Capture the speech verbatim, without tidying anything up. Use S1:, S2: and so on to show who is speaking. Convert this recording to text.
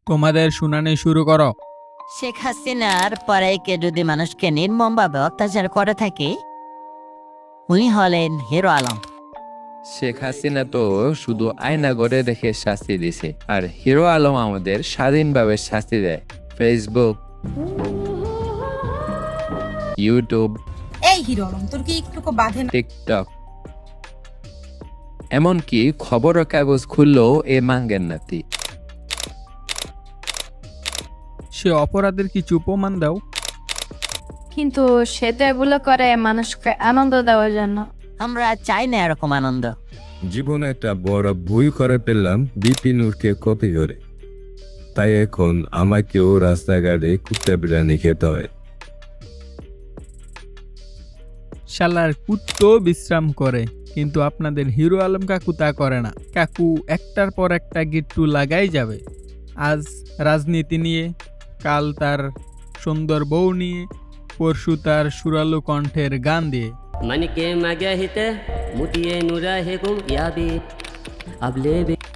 S1: তোমাদের শুনানি শুরু করো।
S2: শেখ হাসিনার পরাইকে যদি মানুষকে নির্মমভাবে অত্যাচার করে থাকে, উনি হলেন হিরো আলম।
S3: শেখ হাসিনা তো শুধু আয়না করে রেখে শাস্তি দিছে, আর হিরো আলম আমাদের স্বাধীনভাবে শাস্তি দেয়। ফেসবুক, ইউটিউব,
S4: এই হিরো আলম, তোর কি একটুকু বাধে না?
S3: টিকটক, এমনকি খবরের কাগজ খুললেও এ মাঙ্গেন নাতি।
S1: সে অপরাধের কিছু প্রমাণ দাও।
S5: কিন্তু সে তো এগুলো করে মানুষকে আনন্দ দেওয়ার জন্য।
S2: আমরা চাই না এরকম আনন্দ।
S6: জীবনে একটা বড় ভুল করে ফেললাম বিপিনুরকে কপি করে, তাই এখন আমাকেও রাস্তাঘাটে কুত্তা বিরিয়ানি খেতে হয়।
S1: শালার কুত্তো বিশ্রাম করে, কিন্তু আপনাদের হিরো আলম কাকু তা করে না। কাকু একটার পর একটা গিট্টু লাগাই যাবে। আজ রাজনীতি নিয়ে, কাল তার সুন্দর বউ নিয়ে, পরশু তার সুরালু কণ্ঠের গান দিয়ে।
S7: मन के मगहित मुतिये नुरहिकुम याबी अब ले